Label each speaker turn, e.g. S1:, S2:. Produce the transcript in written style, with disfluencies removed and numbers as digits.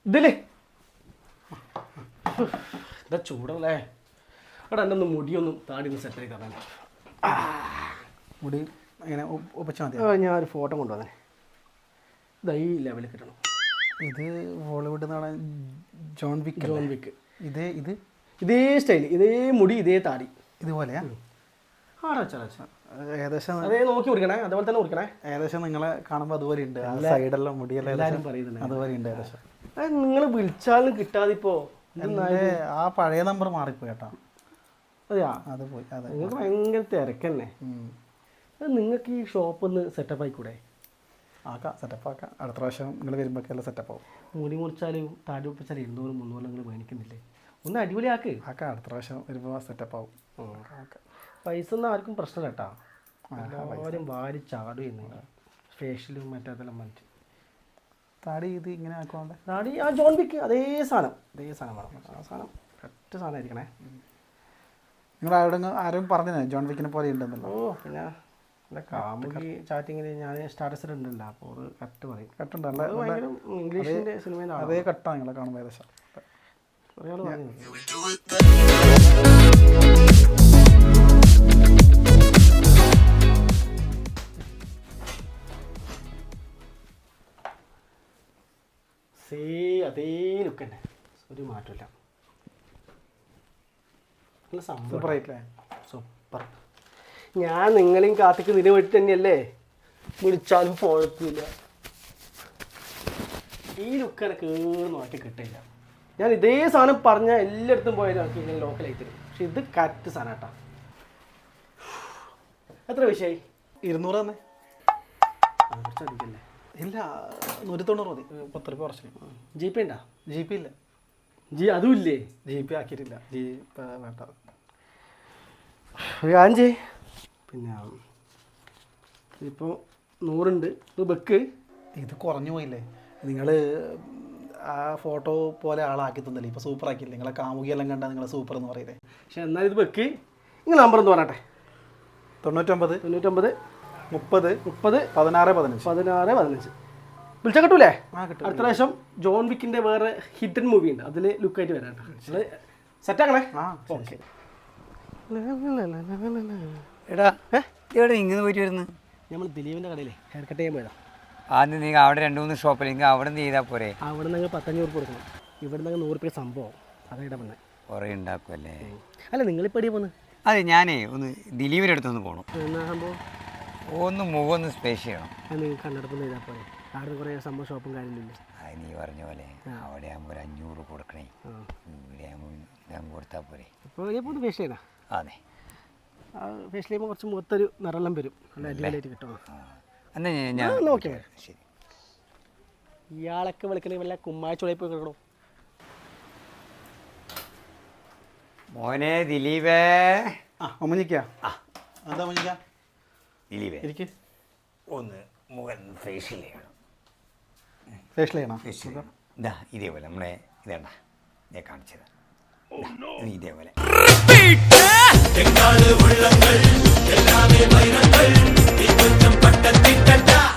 S1: ഇതില്ലേ എന്താ ചൂടല്ലേ അവിടെ എൻ്റെ ഒന്ന് മുടിയൊന്നും താടി ഒന്ന് സെറ്റായി തരാൻ.
S2: മുടി അങ്ങനെ ഒപ്പിച്ചാൽ മതി.
S1: ഞാൻ ഒരു ഫോട്ടോ കൊണ്ടുവന്നേ. ഇതാ ഈ ലെവലിൽ കിട്ടണം.
S2: ഇത് ബോളിവുഡ് നടൻ ജോൺ വിക്ക്.
S1: ഇതേ സ്റ്റൈൽ, ഇതേ മുടി, ഇതേ താടി
S2: ഇതുപോലെയാ? ഏകദേശം
S1: അതേ നോക്കി കുടിക്കണേ, അതുപോലെ തന്നെ കുടിക്കണേ.
S2: ഏകദേശം നിങ്ങളെ കാണുമ്പോൾ അതുപോലെ ഉണ്ട്. സൈഡെല്ലാം മുടിയെല്ലാം
S1: എല്ലാവരും പറയുന്നുണ്ട്
S2: അതുപോലെ ഉണ്ട് ഏകദേശം.
S1: നിങ്ങൾ വിളിച്ചാലും കിട്ടാതിപ്പോ
S2: ആ പഴയ നമ്പർ മാറിപ്പോയി കേട്ടോ.
S1: അതെയാ,
S2: അത് പോയി. അതെ,
S1: നിങ്ങൾക്ക് ഭയങ്കര തിരക്കന്നെ. നിങ്ങൾക്ക് ഈ ഷോപ്പ് ഒന്ന് സെറ്റപ്പ് ആയിക്കൂടെ?
S2: ആക്കാം, സെറ്റപ്പ് ആക്കാം. അടുത്ത പ്രാവശ്യം നിങ്ങൾ വരുമ്പോഴൊക്കെ എല്ലാം സെറ്റപ്പ് ആവും.
S1: മുടി മുറിച്ചാലും താടി ഒപ്പിച്ചാലും 200-300 നിങ്ങൾ മേടിക്കുന്നില്ലേ? ഒന്ന് അടിപൊളിയാക്ക്.
S2: ആക്കാം, അടുത്ത പ്രാവശ്യം വരുമ്പോൾ സെറ്റപ്പ് ആവും.
S1: പൈസ ഒന്നും ആർക്കും പ്രശ്നമില്ല കേട്ടോ. എല്ലാവരും വാരി ചാടും ചെയ്യുന്നു. ഫേഷ്യലും മറ്റേതെല്ലാം മാറ്റി
S2: താടി ഇത് ഇങ്ങനെ ആക്കുവാണ്ട്.
S1: താടി ആ ജോൺ വിക്ക് അതേ സാധനം വേണം. ആ സാധനം കറക്റ്റ് സാധനം ആയിരിക്കണേ.
S2: നിങ്ങൾ ആരും പറഞ്ഞേ ജോൺ വിക്കിനെ പോലെ ഉണ്ടെന്നല്ലോ?
S1: പിന്നെ അല്ല, കാമുകി ചാറ്റിങ്ങിൽ ഞാൻ സ്റ്റാറ്റസ് ഉണ്ടല്ലോ, അപ്പോൾ അത് കറക്റ്റ് പറയും.
S2: കട്ടുണ്ടല്ലേ?
S1: ഭയങ്കര ഇംഗ്ലീഷിൻ്റെ സിനിമയിൽ
S2: അതേ കട്ടാണ് നിങ്ങളെ കാണുമ്പോൾ ഏകദേശം.
S1: ഒരാൾ പറഞ്ഞു അതേ ലുക്ക് തന്നെ, ഒരു മാറ്റമില്ല. നല്ല സംഭവം, സൂപ്പർ. ഞാൻ നിങ്ങളെയും കാത്തിക്കുന്നതിന് വേണ്ടി തന്നെയല്ലേ വിളിച്ചാലും കുഴപ്പമില്ല. ഈ ലുക്ക് എനിക്ക് മാറ്റി കിട്ടില്ല. ഞാൻ ഇതേ സാധനം പറഞ്ഞാൽ എല്ലായിടത്തും പോയാലും എനിക്ക് ഇങ്ങനെ ലോക്കലായി തരും. പക്ഷെ ഇത് കറക്റ്റ് സാധനം കേട്ടോ. എത്ര വിഷയമായി?
S2: 200 തന്നെ.
S1: കുറച്ചധികല്ലേ?
S2: ഇല്ല, 190 മതി. 10 രൂപ കുറച്ച്.
S1: ജി പേ ഉണ്ടോ?
S2: ജി പേ ഇല്ല.
S1: അതും ഇല്ലേ?
S2: ജി പേ ആക്കിയിട്ടില്ല. ജി പേ വേണ്ട.
S1: അഞ്ച് പിന്നെ ഇപ്പോൾ 100 ഉണ്ട്. ഇത് ബെക്ക്
S2: ഇത് കുറഞ്ഞു പോയില്ലേ? നിങ്ങൾ ആ ഫോട്ടോ പോലെ ആളാക്കി തന്നില്ലേ? ഇപ്പോൾ സൂപ്പർ ആക്കിയില്ലേ? നിങ്ങളെ കാമുകിയെല്ലാം കണ്ടാൽ നിങ്ങളെ സൂപ്പർ എന്ന് പറയില്ലേ?
S1: പക്ഷെ എന്നാൽ ഇത് ബെക്ക്. നിങ്ങൾ നമ്പർ ഒന്ന് പറയട്ടെ.
S2: 99
S1: 30
S2: 16 15
S1: വിളിച്ചാൽ കിട്ടൂലേ?
S2: കിട്ടും.
S1: അടുത്ത പ്രാവശ്യം ജോൺ വിക്കിൻ്റെ വേറെ ഹിഡൻ മൂവി ഉണ്ട്, അതിൽ ലുക്കായിട്ട് വരാം കേട്ടോ. സെറ്റാക്കണേ. ഓക്കെ.
S3: എടാ എവിടെ ഇങ്ങനെ പോയിട്ട് വരുന്നത്?
S1: നമ്മൾ ദിലീപിൻ്റെ കടയിലെ ഹെയർ കട്ട് ചെയ്യാൻ പോയതാ.
S3: ആദ്യം നീ അവിടെ 2-3 ഷോപ്പിലെങ്കിൽ അവിടെ നിന്ന് ചെയ്താൽ പോരെ?
S1: അവിടെ നിന്ന് 500 കൊടുക്കണം, ഇവിടെ നിന്ന് 100 രൂപ സംഭവം. അതായിട്ടാ വന്നത്.
S3: കുറേ ഉണ്ടാക്കുമല്ലേ?
S1: അല്ല, നിങ്ങളിപ്പോൾ എടിയാ പോകുന്നത്?
S3: അതെ, ഞാനേ ഒന്ന് ദിലീപിൻ്റെ അടുത്തൊന്ന് പോകണം.
S1: എന്നാ സംഭവം?
S3: ഒന്ന് മുഖമൊന്ന് സ്പേസ് ചെയ്യണം.
S1: അത് നിങ്ങൾ കണ്ണെടുപ്പം ചെയ്താൽ പോരെ? അവിടെ കുറേ സംഭവം ഷോപ്പും കാര്യമില്ല.
S3: അത് നീ പറഞ്ഞ പോലെ അവിടെ ആകുമ്പോൾ ഒരു 500 കൊടുക്കണേ. ഇവിടെ ആകുമ്പോൾ ഞാൻ കൊടുത്താൽ പോരെ?
S1: ഇപ്പോൾ ഇപ്പോൾ ഫേഷ്യൽ ചെയ്യണം.
S3: അതെ,
S1: ഫേഷ്യൽ ചെയ്യുമ്പോൾ കുറച്ച് മുഖത്തൊരു നിറെല്ലാം വരും, നല്ല അടിപൊളിയായിട്ട് കിട്ടും.
S3: എന്നാൽ ഞാൻ
S1: നോക്കി.
S3: ശരി.
S1: ഇയാളൊക്കെ വിളിക്കണേ വല്ല കുമ്മാഴ്ചോളയിൽ പോയി കിടക്കണോ?
S3: മോനെ ദിലീപേ.
S2: ഒമ്മനിക്കാ? എന്താ ഒമ്മനിക്ക?
S3: ദിലീപേ,
S2: എനിക്ക്
S3: ഒന്ന് മുഖം ഫേഷ്യൽ ചെയ്യണം.
S2: ഫേഷ്യൽ ചെയ്യണം?
S3: ഇതാ ഇതേപോലെ നമ്മളെ ഇതേണ്ട ഞാൻ കാണിച്ചത്. ഇതേപോലെ
S4: എങ്ങാട് വെള്ളങ്ങൾ എല്ലാമേ വൈരങ്ങൾ. നീ കൊഞ്ചം പട്ടത്തിട്ട